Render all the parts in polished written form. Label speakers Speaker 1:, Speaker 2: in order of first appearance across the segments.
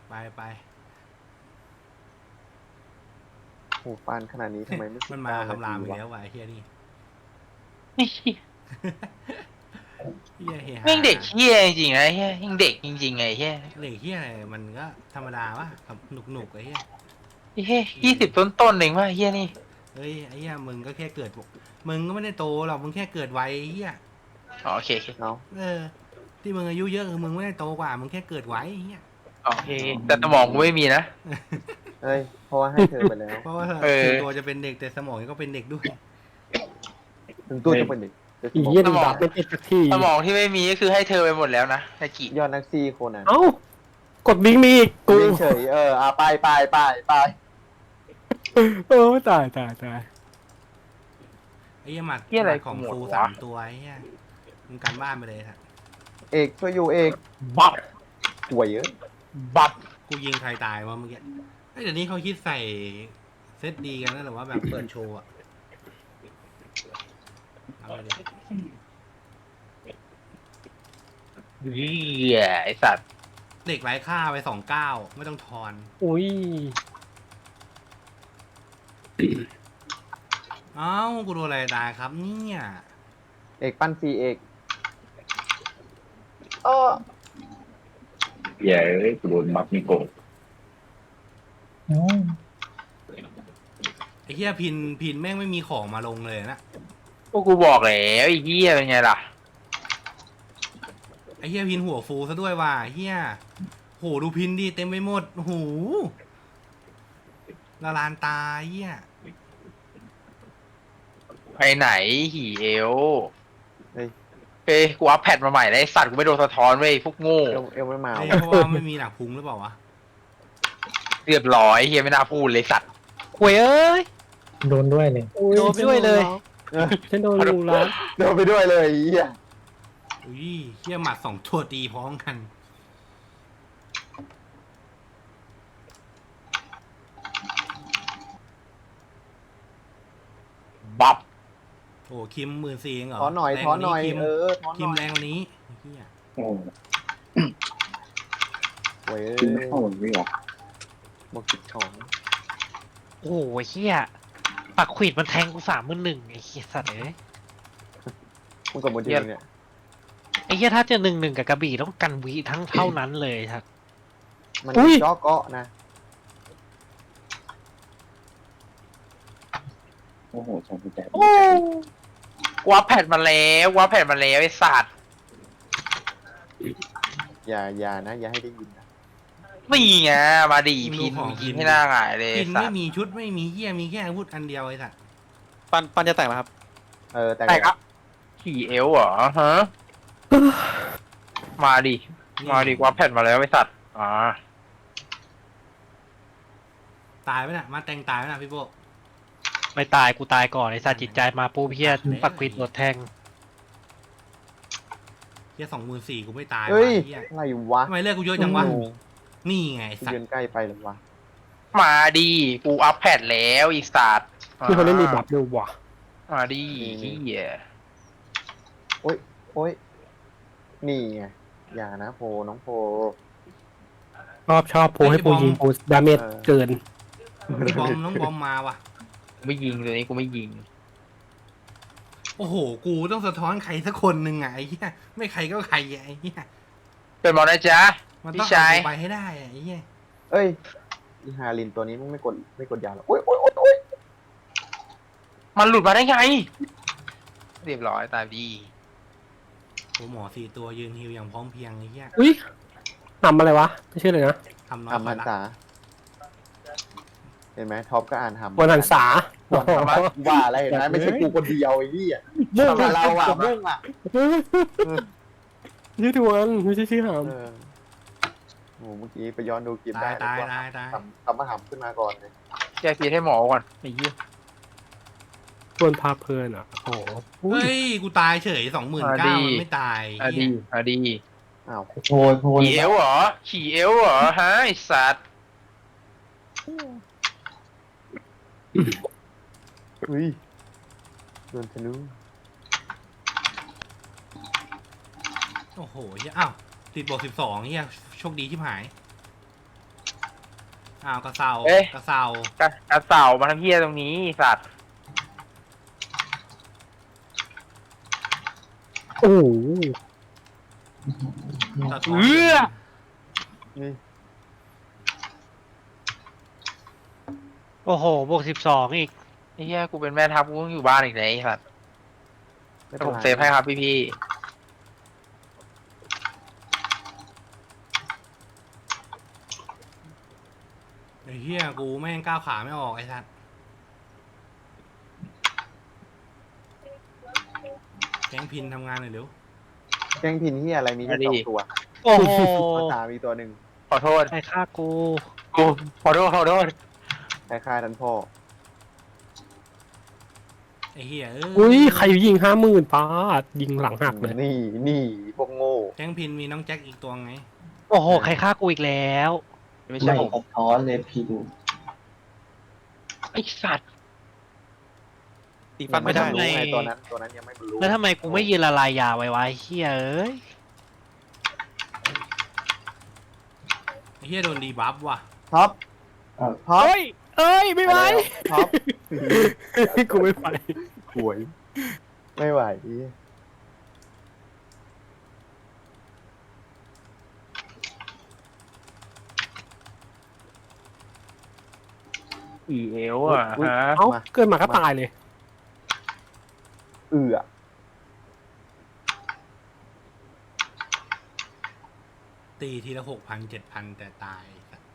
Speaker 1: ไป
Speaker 2: โอ้ปานขนาดนี้ทำไมไม่
Speaker 1: มันมาคำรามอีกแล้ววะไอ้เฮียนี่เฮียเฮีย
Speaker 3: แม่งเด็กเฮี้ยจริงๆไอ้เฮี้ยยังเด็กจริงๆไงเฮี้ย
Speaker 1: เด็กเฮียอะไรมันก็ธรรมดาวะหนุกไอ้เฮีย
Speaker 3: เฮี้ย20 ต้นเองวะเฮี้ยนี่
Speaker 1: เฮ้ยไอ้เฮียมึงก็แค่เกิดมึงก็ไม่ได้โตหรอกมึงแค่เกิดไวไอ้เฮีย
Speaker 3: โอเค
Speaker 2: เนาะ
Speaker 1: ที่มึงอายุเยอะคือมึงไม่ได้โตกว่ามึงแค่เกิดไวไอ้เฮีย
Speaker 3: โอเคแต่สมองกูไม่มีนะ
Speaker 2: เอ้ยเพราะว่าให้เธอไปแล้ว
Speaker 1: เพราะว่าถึงตัวจะเป็นเด็กแต่สมองก็เป็นเด็กด้วย
Speaker 2: ถึงตัวจะเป็นเด็กแต่ส
Speaker 4: อี
Speaker 2: มอง
Speaker 4: เหี้ยดีบัฟไม่ติดสักที
Speaker 3: สมองที่ไม่มีก็คือให้เธอไปหมดแล้วนะตะกี้
Speaker 2: ยอดนักซีโคนัน
Speaker 4: เอ้ากดบิงมีอีกกู
Speaker 2: วิ่งเฉยไป
Speaker 4: โอ้ตาย
Speaker 1: ไอ้เฮียหมัดของฟู3 ตัวไอ้เฮียมึงการบ้านไปเลยครับ
Speaker 2: เอกช่วยอยู่เอก
Speaker 4: บัฟ
Speaker 2: ป่วยเยอะ
Speaker 4: บัฟ
Speaker 1: กูยิงใครตายวะเมื่อกี้เดี๋ยวนี้เขาคิดใส่เซตดีกันแล้วหรือว่าแบบเปิดโชว์อะเอาไปเลย
Speaker 3: เฮี้ยไอสัตว์
Speaker 1: เด็กไร้ค่าไป29ไม่ต้องทอน
Speaker 4: อุ้ย
Speaker 1: เอ้ากูโดนอะไรตายครับเนี่ย
Speaker 2: เอกปั้นซีเอก
Speaker 5: อย่าเอ้ยกูโดนบัฟมิโกะ
Speaker 1: ไอ้เหี้ยพินแม่งไม่มีของมาลงเลยนะ
Speaker 3: พวกกูบอกแล้วไอ้เฮี้ยเป็นไงล่ะ
Speaker 1: ไอ้เหี้ยพินหัวฟูซะด้วยว่ะเหี้ยโหดูพินดิเต็มไปหมดโอ้โหละลานตาเหี้ย
Speaker 3: ไปไหนหีเอว
Speaker 2: เฮ้ย
Speaker 3: เฮ้ยกูอัพแพดมาใหม่แล้วไอสัตว์กูไม่โดนสะท้อนเว้ยพวกโง่
Speaker 2: เอวไม่มา
Speaker 1: เอ้ย
Speaker 2: ว่ะ
Speaker 1: เพราะว่าไม่มีหนักพุงหรือเปล่าวะ
Speaker 3: เรียบร้อยเฮียไม่น่าพูดเลยสัตว์
Speaker 4: หวยเอ้ย
Speaker 6: โดนด้วยเลย
Speaker 4: โดนไปด้วยเลยฉันโดนรูร้าน
Speaker 2: เดินไปด้วยเลยไอ้เหี้ย
Speaker 1: อุ้ยเหี้ยหมัด2 ตัวตีพร้อมกัน
Speaker 3: บัฟ
Speaker 1: โอ้คิม14,000เองเหรอ
Speaker 2: ถอนหน่อย
Speaker 1: แรง
Speaker 2: ถอนหน่อย
Speaker 1: คิม
Speaker 2: ถอนห
Speaker 1: คิม
Speaker 2: น่อย
Speaker 1: แรงกว่านี้เหี้ย
Speaker 5: โอ้
Speaker 2: ป่วย
Speaker 5: กินไม่เข้าไม่ออก
Speaker 2: บอกกิดของ
Speaker 6: โอ้โหเฮียปักขวิดมันแทงกู31,000ไอ้เฮียสัตว์เอ้ย
Speaker 2: มึงกับมือถือเนี่ย
Speaker 6: ไอ้เฮียถ้าจะ1-1กับกระบี่ต้องกันวิทั้งเท่านั้นเลยครับ
Speaker 2: มันจ่อเกาะนะ
Speaker 5: โอ้โหสองพันแปด
Speaker 3: กูอัพแพดมาแล้วกูอัพแพดมาแล้วไอสัตว์
Speaker 2: อย่านะอย่าให้ได้ยินนะ
Speaker 3: นี่ไงมาดิพินยิงให้หน้าหงายเลย
Speaker 1: พิน
Speaker 3: สั
Speaker 1: ไม่
Speaker 3: ตว์
Speaker 1: มีชุดไม่มีเหี้ยมีแค่อาวุธอันเดียวไอ้สัส
Speaker 4: ปันจะแตกแล้วครับ
Speaker 2: แต่
Speaker 3: แต่ครับขี่เอวเหรอฮะมาดิมาดิกูอัพแพดมาแล้วไอสัตว์
Speaker 1: ตายไหมน่ะมาแต่งตายไหมน่ะพี่โบ
Speaker 6: ไม่ตายกูตายก่อนไอ้สัตว์จิตใจมาปูเฮียปักขวิดโดนแทง
Speaker 1: เหี้ย24,000กูไม่ตาย
Speaker 2: เฮ้ย
Speaker 1: เหี้ย
Speaker 2: อะไรวะ
Speaker 1: ทำไมเลือกกูเยอะจังวะ
Speaker 2: โอ้โห
Speaker 1: นี่ไงไอ้สัส
Speaker 2: ยืนใกล้ไปหรือวะ
Speaker 3: มาดิกูอัพแพดแล้วอีสัตว์
Speaker 4: ที่เขาเล่นรีบัฟด้วยว่ะ
Speaker 3: มาดิเฮีย
Speaker 2: โอ๊ยนี่ไงอย่านะโพน้องโพ
Speaker 4: ชอบโพให้โพยิงโพดาเมจเกิน
Speaker 1: น้องบอมมาว่ะ
Speaker 3: ไม่ยิงตัวนี้กูไม่ยิง
Speaker 1: โอ้โห กูต้องสะท้อนใครสักคนหนึ่งอะไอ้เหี้ยไม่ใครก็ใครอะไอ้เหี้ย
Speaker 3: เป็นบอลนะจ๊ะ
Speaker 1: มัน
Speaker 3: พี่
Speaker 1: ต้อง
Speaker 3: ชาย
Speaker 1: เอาไปให้ได้อะไอ้เหี้ย
Speaker 2: เอ้ยอีฮารินตัวนี้มึงไม่กดยาหรอโอ๊ย
Speaker 3: มันหลุดมาได้ไง เรียบร้อยตายดี
Speaker 1: โอ้หมอ4 ตัวยืนฮิวอย่างพร้อมเพรียงไอ้เหี้ย
Speaker 4: อุ้ยทำอะไรวะไม่ใช่เลยนะ
Speaker 1: ทำน้อย
Speaker 2: ทำ
Speaker 1: ก
Speaker 2: พั
Speaker 1: ว่าน ละ
Speaker 2: ษาเห็นไหมท็อปก็อ่านทำ
Speaker 4: วันหันษา
Speaker 2: ว่าอะไรเห็นไหมไม่ใช่กูคนเดียวไอ้นี่อ่ะ
Speaker 4: เรื่อง
Speaker 2: ทำเราอ่ะเรื่องอ่ะ
Speaker 4: ชื่อทวนไม่ใช่ชื่อหาม
Speaker 2: โอ้เมื่อกี้ไปย้อนดูคลิป
Speaker 1: ตา
Speaker 2: ได้
Speaker 1: ยตายตาย
Speaker 2: ทำมาหำขึ้นมาก่อนเลย
Speaker 3: แกพีให้หมอก่อน
Speaker 4: ไอ้เหี้ยทวนพาเพลินอ่ะโอ้โห
Speaker 1: เฮ้ย กูตายเฉย29,000มันไม่ตาย
Speaker 3: อะดีอะดี
Speaker 2: อ้าว
Speaker 5: โทนโทน
Speaker 3: ขี่เอวเหรอขี่เอวเหรอฮะไอสัตว์
Speaker 2: อุ้ยโดนทะลุ
Speaker 1: โอ้โหเหี้ยอ้าวติดบวก12เหี้ยโชคดีที่หายอ้าวกระเซา
Speaker 3: เอ๊ะ
Speaker 1: กระเซาก
Speaker 3: ระเสามาทำเหี้ยตรงนี้ไอ้สัตว์
Speaker 4: โอ้โห
Speaker 1: สะท้อน
Speaker 2: นี่
Speaker 6: โอ้โหบวก12อีก
Speaker 3: ไอ้เหี้ยกูเป็นแม่ทัพกูต้องอยู่บ้านอีกไหนไอ้สัตว์
Speaker 2: ไม่
Speaker 3: แต่
Speaker 2: เป็น
Speaker 3: ผม
Speaker 2: ไร
Speaker 3: เซฟให้ครับพี่
Speaker 1: ไอ้เหี้ยกูแม่งก้าวขาไม่ออกไอ้สัตว์แก๊งพินทำงานหน่อยเร็ว
Speaker 2: แกงพินที่อะไรมีแค่สองตัว
Speaker 6: โอ้โห
Speaker 2: ภาษามีตัวหนึ่ง
Speaker 3: ๆขอโทษ
Speaker 6: ใครฆ่ากู
Speaker 3: กูขอโทษ
Speaker 2: คล้ายๆท่านพ่อ
Speaker 1: ไอ้เหี้ย
Speaker 4: อุ้ยใครยิง50,000ป้าดยิงหลังหักเลย
Speaker 2: นี่พวกโง่
Speaker 1: แก๊งพินมีน้องแจ็คอีกตัวไง
Speaker 6: โอ้โหใครฆ่ากูอีกแล้ว
Speaker 3: ไม่ใช่ผม
Speaker 5: สะท้อนเลยพี่ดู
Speaker 3: ไอ้สัตว์
Speaker 6: ตีฟันไม่ได้
Speaker 2: ยังรู้ไงตัวนั้นยังไม่รู้
Speaker 6: แล้วทำไมกูไม่ยืนละลายยาไว้วะไอ้เหี้ยเอ้ย
Speaker 1: ไอ้เหี้ยโดนดีบัฟว่ะ
Speaker 2: ท็อปท็อป
Speaker 4: เฮ้ยเอ้ยไม่ไหว
Speaker 2: ท็อป
Speaker 4: กูไม่ไหว
Speaker 2: หวย ไม่ไหว
Speaker 3: อีเอวอ่ะ
Speaker 2: อุ๊ย
Speaker 3: ฮะ
Speaker 4: เอ้าเกิดมาก็ตายเลย
Speaker 2: เอือ
Speaker 1: ตีทีละ6,000 7,000แต่ตายสัตว์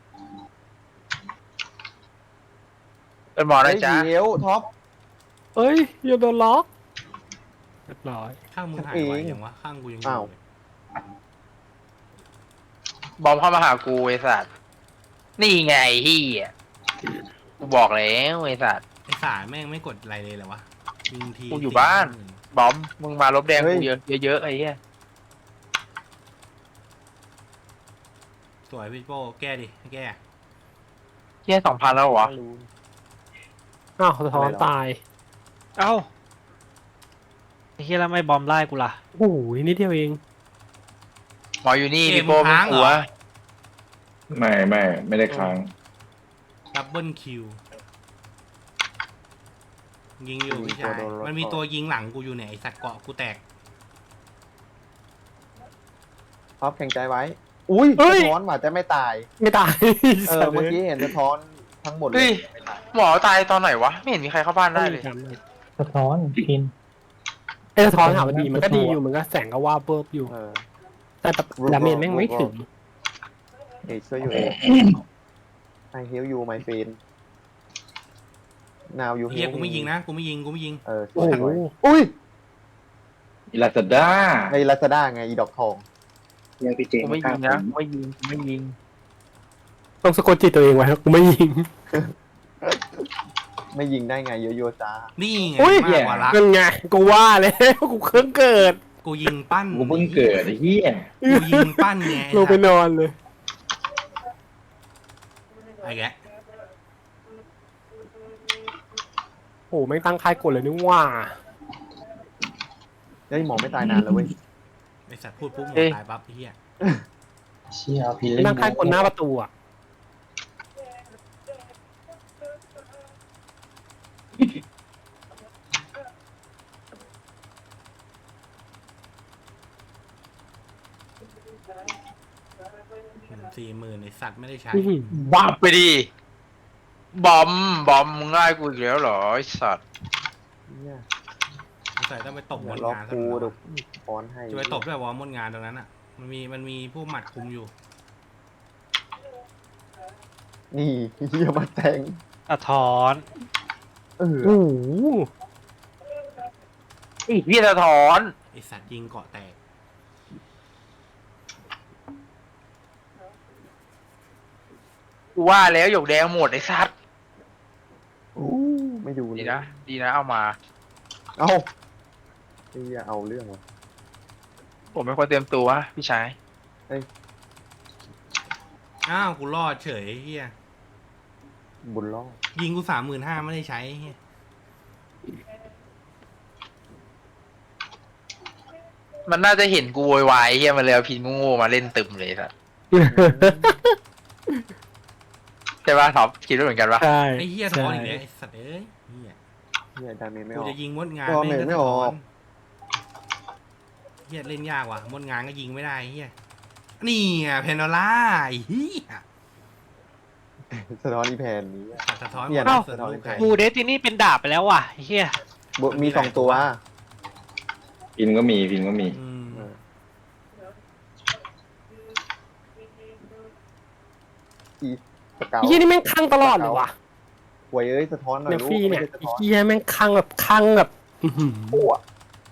Speaker 3: เป็นหมอนะจ๊ะ
Speaker 2: เฮ้ยเอวท็อป
Speaker 4: เอ้ยอย่าโดนล็อกเรียบร้อย
Speaker 1: ข้างมึงหายไวยังวะข้างกูยังอยู่
Speaker 2: อ้าว
Speaker 1: เลย
Speaker 3: บอมเข้ามาหากูไอ้สัตว์นี่ไงเฮียกูบอกแล้วไอ้สัตว์
Speaker 1: ไอ้สารแม่งไม่กดอะไรเลยเหรอวะยิงที
Speaker 3: กูอยู่บ้าน บอมมึงมาลบแดงกูเยอะๆไอ้เหี้ย
Speaker 1: สวยพี่โป้แก้ดิให้แก้
Speaker 3: เหี้ย2,000แล้วเหรอ
Speaker 2: ไม่รู้
Speaker 4: อ้าวสะท้อนตาย
Speaker 6: เอ้าไอ้เหี้ยแล้วไม่บอมไล่กูล่ะ
Speaker 4: โอ้ยนิดเดียวเอง
Speaker 3: หมออยู่นี่พี่โป้มึงหัว
Speaker 5: ไม่ได้ค้าง
Speaker 1: ดับเบิลคิวยิงอยู่พี่ชายมันมีตัวยิงหลังกูอยู่เนี่ยไอสัตว์เกาะกูแตก
Speaker 2: ท็อปแข็งใจไว้ อุ้ย
Speaker 4: เฮ้ย
Speaker 2: สะท้อนหว่าจะไม่ตาย
Speaker 4: ไม่ตาย
Speaker 2: เมื่อกี้เห็นสะท้อนทั้งหมดเล
Speaker 3: เฮ้
Speaker 2: ย
Speaker 3: ย หมอตายตอนไหนวะ ไม่เห็นมีใครเข้าบ้านได้เลย
Speaker 7: สะท้อนพิน
Speaker 4: ไอ้สะท้อนถามว่าดีมันก็ดีอยู่มันก็แสงก็ว่าเบิบอยู่
Speaker 2: เออ
Speaker 4: แต่ดาเมจแม่งไม่ถึง
Speaker 2: เอกช่วยอยู่เอก I help you my friend now you
Speaker 1: เฮีย
Speaker 2: help
Speaker 1: กูไม่ยิงนะกูไม่ยิง
Speaker 2: ส
Speaker 4: โอ้
Speaker 2: วย
Speaker 4: โห
Speaker 2: อุ้ย
Speaker 5: อิลาซาด้า
Speaker 2: ในลาซาด้าไงอีดอกทอง
Speaker 5: เนี่ยพี่เจ
Speaker 3: กูไม่ยิงนะกูไม่ยิง
Speaker 4: ต้องสะกดจิตตัวเองไว้ครับกูไม่ยิง
Speaker 2: ไม่ยิงได้ไงโยโย่จ้า
Speaker 1: นี่ไง
Speaker 4: อุ้ย
Speaker 1: มากกว่ารัก
Speaker 4: นั่นไงกูว่าแล้วกูเครื่องเกิด
Speaker 1: กูยิงปั้น
Speaker 5: กูเพิ่งเกิดไอ้เหี้ย
Speaker 1: กูยิงปั้นไง
Speaker 4: ลงไปนอนเลย
Speaker 1: ไอ้แกะ
Speaker 4: โอ้ไม่งตั้งค่ายกดเลยนี่ว่า
Speaker 2: เฮ้ยหมอไม่ตายนานแล้วเว้ย
Speaker 1: ไอสัตว์พูดปุ๊บหมดตายปั๊บไอ้เฮีย
Speaker 7: เชี่ยพิน
Speaker 4: ไม่งตั้งค่ายกดหน้าประตูอ่ะ
Speaker 1: 40,000ไอสัตว์ไม่ได้ใช้
Speaker 4: อื้อหือ
Speaker 3: บ้าไปดิ บอมมึงไล่กูอีกแล้วเหรอไอ้สัตว์
Speaker 2: เนี่ย
Speaker 1: สงสัยต้องไปตบม
Speaker 2: เดี๋ย
Speaker 1: ด
Speaker 2: วล็อก
Speaker 1: งานซะ
Speaker 2: กู
Speaker 1: หน่อย
Speaker 2: เดี๋ยวป้อนให้
Speaker 1: จะไปตบด้วยวอมดงานตรงนั้นอ่ะ มันมีผู้หมัดคุมอยู่
Speaker 2: นี่เฮียมาแทง
Speaker 6: สะท้อน
Speaker 2: เออ
Speaker 4: โอ้โห
Speaker 3: ไอ้พี่สะท้อน
Speaker 1: ไอสัตว์ยิงเกาะแตก
Speaker 3: กูว่าแล้วหยกแดงหมดไอ้สัตว์
Speaker 2: อู้ไม่ดูเล
Speaker 3: ดี
Speaker 2: ย
Speaker 3: นะดีนะเอามา
Speaker 2: เอาเฮียเอาเรื่องว่ะ
Speaker 3: ผมเป็นคนเตรียมตัวพี่ชาย
Speaker 1: อ้าวกูรอดเฉยเฮีย
Speaker 2: บุญรอด
Speaker 1: ยิงกู35,000ไม่ได้ใช้เฮีย
Speaker 3: มันน่าจะเห็นกูโวยวายเฮียมันเลยเอาพินโง่ๆมาเล่นตึมเลยสัตว์ช่ป่ะท็อปคิดด้วยเหมือนกันปะ
Speaker 4: ใช่
Speaker 1: ไอ้เหี้ยถอนอีกแล้วไอ้สัตว์เอ้ยเหี้ย
Speaker 2: เนี่ยดาเมจไม่
Speaker 1: กู
Speaker 2: ออก
Speaker 1: จะยิงมดงาน
Speaker 2: ดาเมจไม่ออก
Speaker 1: เหี้ยเล่นยากว่ะมดงานก็ยิงไม่ได้เหี้ยนี่อ่ะเพนโนล่าไอ้เหี้ย
Speaker 2: สะท้อนอีแพนนี้
Speaker 1: สะท้อน
Speaker 2: เนี่ย
Speaker 1: หม
Speaker 2: นะ
Speaker 1: ดส่วนลูกไก่
Speaker 6: กูเดสตินี่เป็นดาบไปแล้วว่ะไอ้เฮีย
Speaker 2: มีสองตัว
Speaker 5: พินก็มีพินก็มี
Speaker 1: อืม
Speaker 2: อีสเกา
Speaker 4: ไอ้เหี้ยนี่แม่งคลั่งตลอดเลยว่ะ
Speaker 2: หวยเอ้ยสะท้อนหน่อย
Speaker 4: เนี่ย
Speaker 2: ลูก
Speaker 4: ฟรีเนี่ย
Speaker 2: ไม่ใช่สะ
Speaker 4: ไอ้
Speaker 2: ท้อน
Speaker 4: เหี้ยแม่งคลั่งแบบอื้อหือ
Speaker 2: ปั้ว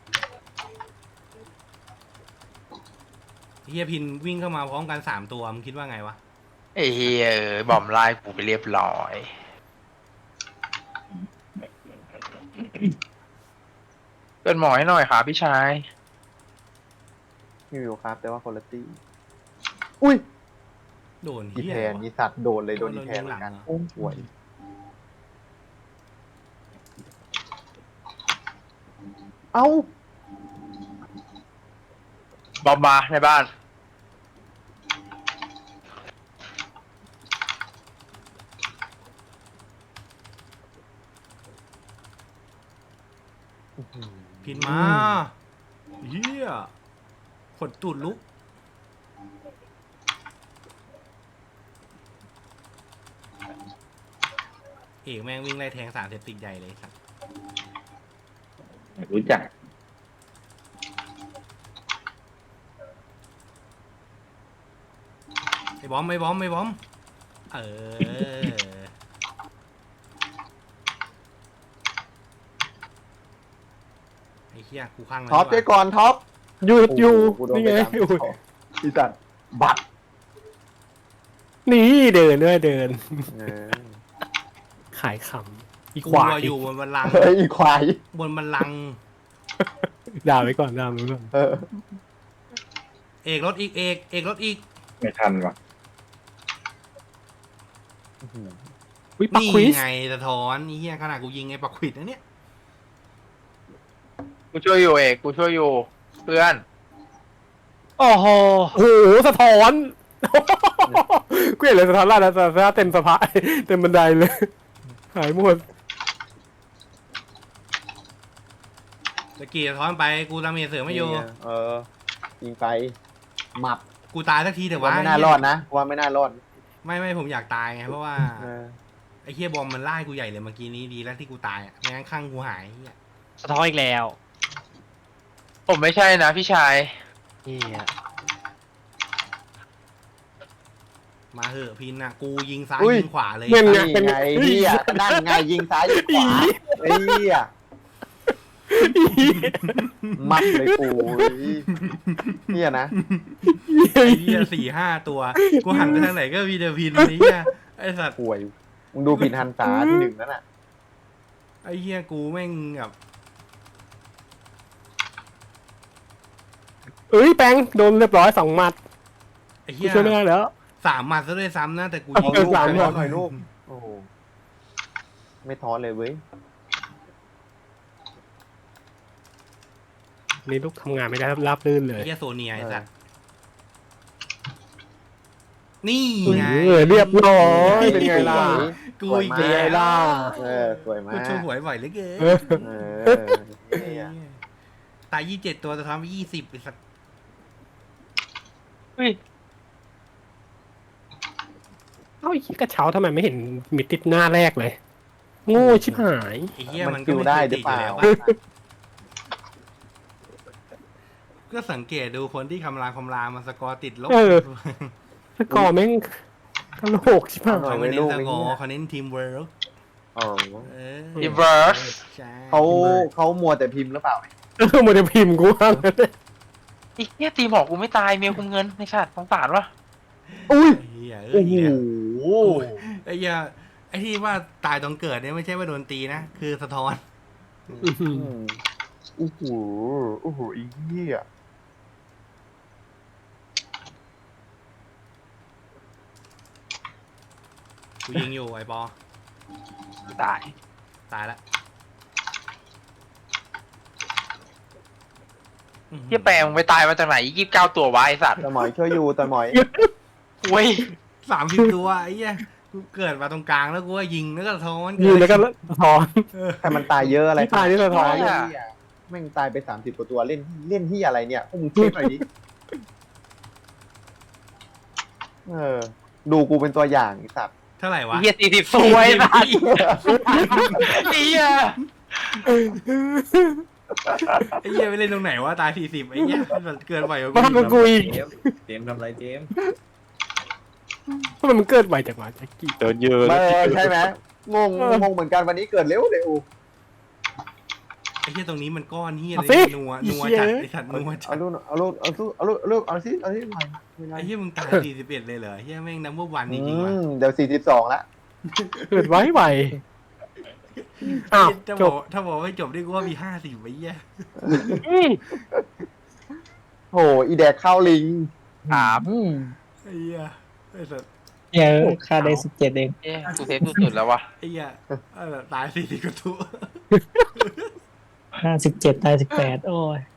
Speaker 1: เฮียพินวิ่งเข้ามาพร้อมกัน3 ตัวมึงคิดว่าไงวะ
Speaker 3: ไอ้เฮียบอมไล่กูไปเรียบร้อยเป็นหมอให้หน่อยครับพี่ชาย
Speaker 2: มีวิวครับแต่ว่าคนละตี้อุ้ย
Speaker 1: โดน
Speaker 2: อี
Speaker 1: เฮีย
Speaker 2: แพนอีสัตว์โดนเลยโดนอีแพนเหมือนกันโอ้หวยเอ้า
Speaker 3: บอมมาในบ้าน
Speaker 1: พินมาเฮียขนตูดลุกเอกแม่งวิ่งไล่แทงสารเสพติดใหญ่เลยสัตว์
Speaker 5: รู้จัก
Speaker 1: ไอ้บอมเออไอ้เหี้ยกูข้างเลย
Speaker 2: ท็อป
Speaker 1: ดี
Speaker 2: เจ๊
Speaker 1: กว่า
Speaker 2: ก่อนท็อป
Speaker 4: หยุดอยู่
Speaker 2: โโหกูโดน
Speaker 4: นี่
Speaker 2: ไป
Speaker 4: ไง
Speaker 2: ตามอีสัตว์บัตร
Speaker 4: นี่เดินด้วยเดิน
Speaker 2: เออ
Speaker 4: ขายขำอี
Speaker 1: กู
Speaker 4: ควาย
Speaker 1: อะอยู่บนบัลลังก์
Speaker 2: เฮ้ยอีควาย
Speaker 1: บนบัลลังก์
Speaker 4: ด่าไว้ก่อนด่าไว้ก่อน
Speaker 2: เออ
Speaker 1: เอกรถอีกเอกรถอีก
Speaker 5: ไม่ทันว่ะ
Speaker 4: วิปัก
Speaker 1: นี่
Speaker 4: ควิส
Speaker 1: ไงสะท้อนนี่เหี้ยขนาดกูยิงไอ้ปักขวิดนะเนี่ย
Speaker 3: กูช่วยอยู่เอกกูช่วยอยู่เพื่อน
Speaker 6: โอ้โห
Speaker 4: โอ้โหสะท้อนกูเห็นเลยสะท้อนล่าแล้วสะท้อนเต็มสะพายเต็มบันไดเลย หายหมด
Speaker 1: ตะกี้สะท้อนไปกูดาเมจเสริมไม่อยู่
Speaker 2: นี่งเออยิงไปหมับ
Speaker 1: กูตายสักทีเถอะ
Speaker 2: ว่าว
Speaker 1: ะ
Speaker 2: ไม่น่ารอดนะว่าไม่น่ารอด
Speaker 1: ไม่ผมอยากตายไงเพราะว่า
Speaker 2: เออ
Speaker 1: ไอ้เฮียบอมมันไล่กูใหญ่เลยเมื่อกี้นี้ดีแล้วที่กูตายอ่ะไม่งั้นข้างกูหายเหี้ย
Speaker 6: สะท้อนอีกแล้ว
Speaker 3: ผมไม่ใช่นะพี่ชาย
Speaker 6: เฮีย
Speaker 1: มาเหอะพินอ่ะกูยิงซ้าย
Speaker 2: อุ้ย
Speaker 1: ยิงขวาเลย
Speaker 4: เงินไง
Speaker 2: นี่ไงเฮียนั่นไงยิงซ้ายยิงขวาไอ้เฮียมัดเลยกูเฮียนะ
Speaker 1: ไอ้เฮีย4-5 ตัวกูหันไปทางไหนก็มีแต่พินไอ้เฮียไอ้สัตว์
Speaker 2: ป่วยมึงดูผิดฮันษาที่ 1นั่นน่ะ
Speaker 1: ไอ้เฮียกูแม่งแบบ
Speaker 4: เอ้ยแปงโดนเรียบร้อย2 หมัด
Speaker 1: ไอ้
Speaker 4: กู
Speaker 1: เฮีย
Speaker 4: ช่วยไม่ได้แล้ว
Speaker 1: 3 หมัดซะด้วยซ้ำนะแต่กู
Speaker 2: เอา
Speaker 1: ยิง
Speaker 2: ลูก
Speaker 4: สาม
Speaker 2: ไป
Speaker 4: หรอ
Speaker 2: หน่อยลูกโอ้โหไม่ท้อเลยเว้ย
Speaker 4: นี่ลูกทำงานไม่ได้ราบรื่นเล
Speaker 1: ไอ้
Speaker 4: ย
Speaker 1: เฮียโซเนียไอ้สัตว์นี่ไง
Speaker 4: เรียบร้อยเป็นไงล่ะ
Speaker 1: กูอีก
Speaker 2: สวย
Speaker 1: แล้
Speaker 2: มาก
Speaker 4: ล่ะ
Speaker 2: เออสวยมา
Speaker 1: กู
Speaker 2: ก
Speaker 1: ช่วยหวยบ่อยเหลือเกิน
Speaker 4: เออ
Speaker 2: เออเฮีย
Speaker 1: ตาย27 ตัวจะทำไป20ไอ้สัตว์
Speaker 3: อุ้ย
Speaker 4: เอ้าไอ้เหี้ยกระเช้าทำไมไม่เห็นมีติดหน้าแรกเลย โง่ชิบหาย
Speaker 1: ไอ้เฮีย
Speaker 2: มั
Speaker 1: มัน
Speaker 2: น
Speaker 1: ก็
Speaker 2: คิว
Speaker 1: ไม่
Speaker 2: ได้
Speaker 1: เคย
Speaker 2: หรื
Speaker 1: ติ
Speaker 2: อ
Speaker 1: ดอ
Speaker 2: เป
Speaker 1: ยู่
Speaker 2: ล่า
Speaker 1: แล้ววะก็สังเกตดูคนที่คำรามมาสกอร์ติดลบ
Speaker 4: เออ สกอร์แม่งกระโหลกชิบหาย
Speaker 1: เขาไม่เน้นสกอร์เขาเน้นทีมเวิร์ก
Speaker 2: อ๋อ
Speaker 1: เออ
Speaker 3: รีเวิร์ส
Speaker 1: ใช่
Speaker 2: เขามัวแต่พิมพ์หรือเปล่า
Speaker 4: โมเดลพิมพ์กูว่างั้นเลย
Speaker 3: อีกเนี่ยตีหมอกกูไม่ตายเมียคุมเงินในชาติสงสารวะ
Speaker 2: อุ้ย
Speaker 1: ไอ้เฮีย
Speaker 2: โอ้โห
Speaker 1: ไอ้เฮียไอ้ที่ว่าตายตอนเกิดเนี่ยไม่ใช่ว่าโดนตีนะ คือสะท้อน
Speaker 4: อื้อหือ
Speaker 2: โอ้โหโอ้โหอีเหี้ย
Speaker 1: กูยิงอยู่ไอ้ปอ
Speaker 3: ตาย
Speaker 1: ตายแล้วอื้อหือ
Speaker 3: เฮียแปลงมึงไปตายมาจากไหน29 ตัววะไอสัตว์
Speaker 2: ตะหมอยช่วยอยู่ตะหมอย
Speaker 3: เว้ย
Speaker 1: 30 ตัวไอ้เหี้ยกูกูเกิดมาตรงกลางแล้วกูก็ยิงแล้วก็สะท้อน
Speaker 4: ยิงแล้วก็สะท้อน
Speaker 2: ให้มันตายเยอะอะไร
Speaker 4: ที่ตายนี่สะท้อน
Speaker 2: เหี้ยแม่งตายไป30 กว่าตัวเล่นที่อะไรเนี่ยพวกมึงเช็คหน่อยดิดูกูเป็นตัวอย่างไอ้สัตว์
Speaker 1: เท่าไหร่วะ
Speaker 3: เฮีย40สวยสัตว์เฮีย
Speaker 1: ไอ้เหี้ยไปเล่นตรงไหนวะตาย40ไอ้เหี้ยมันเกินไปกว่า
Speaker 4: มาทำกับกูอีก
Speaker 8: เจมส์ทำไรเจมส์
Speaker 4: ทำไมมันเกิดไวจังวะแจ็คกี้
Speaker 9: เดินเยอะ
Speaker 2: ใช่ไหมงงเหมือนกันวันนี้เกิดเร็ว
Speaker 1: ไอ้เหี้ยตรงนี้มันก้อนเหี้ย
Speaker 4: เอา
Speaker 1: เลย
Speaker 4: สิ
Speaker 1: นัวจัดไอ้สัตว์นัวจั
Speaker 2: เอา
Speaker 1: ด
Speaker 2: ลูกเอาสิหน่อย
Speaker 1: ไอ้เหี้ยมึงตาย41เลยเหรอเหี้ยแม่งนัมเบอร์วันจริงๆว่ะ
Speaker 2: เดี๋ยว42ละ
Speaker 4: เกิดไวอ้าว
Speaker 1: ถ้า
Speaker 4: จ
Speaker 1: บอบ กถ้าบอกไม่จบนี่กูว่ามี50ไอ้เหี้ย
Speaker 2: โอ้อีแดกข้าวลิง
Speaker 3: ถาม
Speaker 1: ไอ้เหี้ยไอ้สัตว์
Speaker 7: เหี้ยค่าได้17เอง
Speaker 3: เอ๊ะกูเซฟสุดๆแล้ววะ
Speaker 1: ไอ้เหี้ยตาย40กว่าตัว
Speaker 7: 57ตาย18โอ้ย